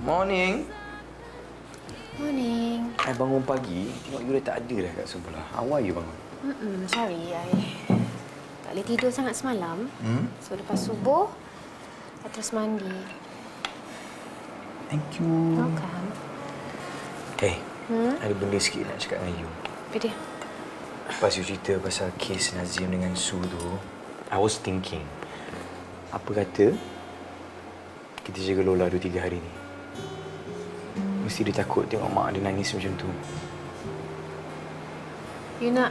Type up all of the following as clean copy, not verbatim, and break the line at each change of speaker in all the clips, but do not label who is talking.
Morning.
Morning.
I bangun pagi, tengok you dah tak ada dah kat sebelah. How are you bangun?
Sorry, I tak boleh tidur sangat semalam. So, lepas subuh, I terus mandi.
Thank you.
Welcome.
Hey, ada benda sikit nak cakap dengan you.
Apa dia?
Lepas you cerita pasal kes Nazim dengan Su tu, I was thinking, apa kata kita jaga Lola 2-3 hari ni? Mesti dia takut tengok mak dia nangis macam tu.
You nak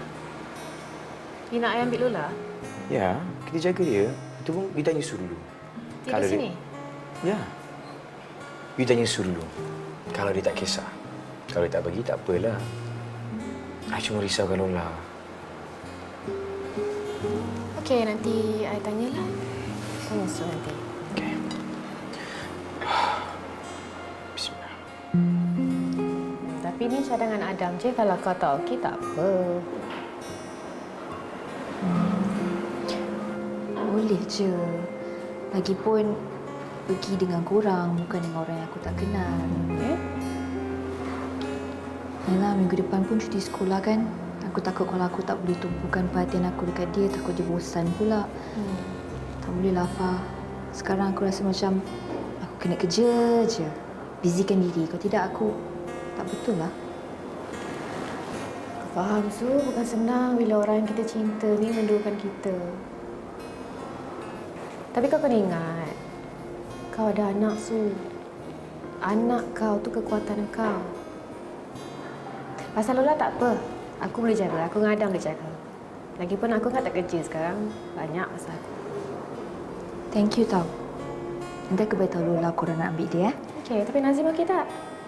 I ambil Lola?
Ya, kita jaga dia. Itu pun kita tanya Su dulu.
Dia di sini?
Ya. You tanya Su dulu. Kalau dia tak kisah. Kalau dia tak bagi, tak apalah. I cuma risaukan Lola.
Okey, nanti I tanyalah. Tanya Su nanti.
Okey. Bismillah.
Tapi ni cadangan Adam je. Kalau kau tak okey, tak apa.
Boleh je. Lagipun pergi dengan korang, bukan dengan orang yang aku tak kenal. Yalah, minggu depan pun cuti sekolah kan. Aku takut kalau aku tak boleh tumpukan perhatian aku dekat dia, takut dia bosan pula. Tak boleh lah, Fah. Sekarang aku rasa macam aku kena kerja je. Busykan diri. Kalau tidak, aku tak betul lah.
Aku faham, Su. Bukan senang bila orang yang kita cinta ni menduakan kita. Tapi kau kena ingat, kau ada anak, Su. Anak kau tu kekuatan kau. Pasal Lola tak apa. Aku boleh jaga. Aku dengan Adam boleh jaga. Lagipun aku kan tak kerja sekarang. Banyak pasal aku.
Thank you tau. Nanti aku beritahu Lola korang nak ambil dia.
Okey, tapi Nazim okey tak?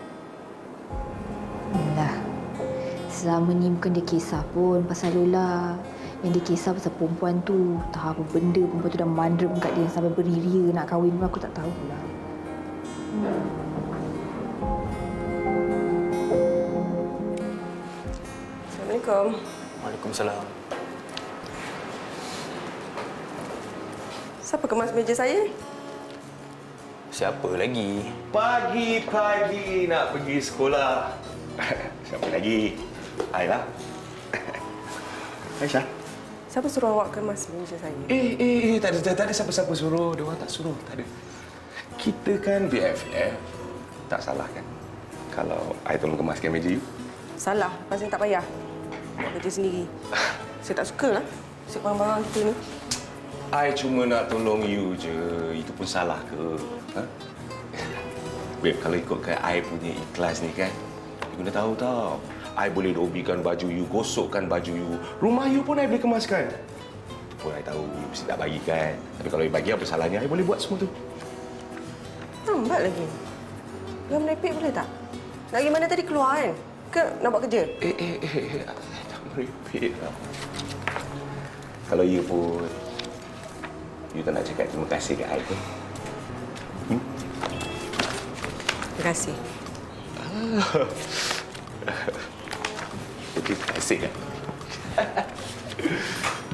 Lah. Selama ni bukan dia kisah pun pasal Lola. Yang dia kisah pasal perempuan tu. Tahu apa benda perempuan tu dah mandrem kat dia sampai beria nak kahwin pun aku tak tahu pula.
Assalamualaikum.
Waalaikumsalam.
Siapa kemas meja saya?
Siapa lagi?
Pagi-pagi nak pergi sekolah. Siapa lagi? Ailah. Aisyah.
Siapa suruh awak kemas meja saya?
Tak ada siapa-siapa suruh. Dia orang tak suruh, tak ada. Kita kan BFF. Tak salah kan? Kalau I tolong kemaskan meja you.
Salah, lepas saya tak payah. Buat kerja sendiri. Saya tak suka lah siap barang-barang kita ni.
I cuma nak tolong you je. Itu pun salah ke? Ha? Babe, kalau ikutkan I punya ikhlas ni kan, you kena tahu tau. I boleh dobikan baju you, gosokkan baju you. Rumah you pun I boleh kemaskan. Itu pun I tahu you mesti tak bagi kan. Tapi kalau you bagi, apa salahnya? I boleh buat semua tu.
Lambat lagi. Jangan merepek boleh tak? Nak pergi mana tadi keluar kan? Ke nak buat kerja?
Tak merepek lah. Kalau you pun, you tak nak cakap terima kasih kat I pun.
Terima kasih.
Terima kasih kan?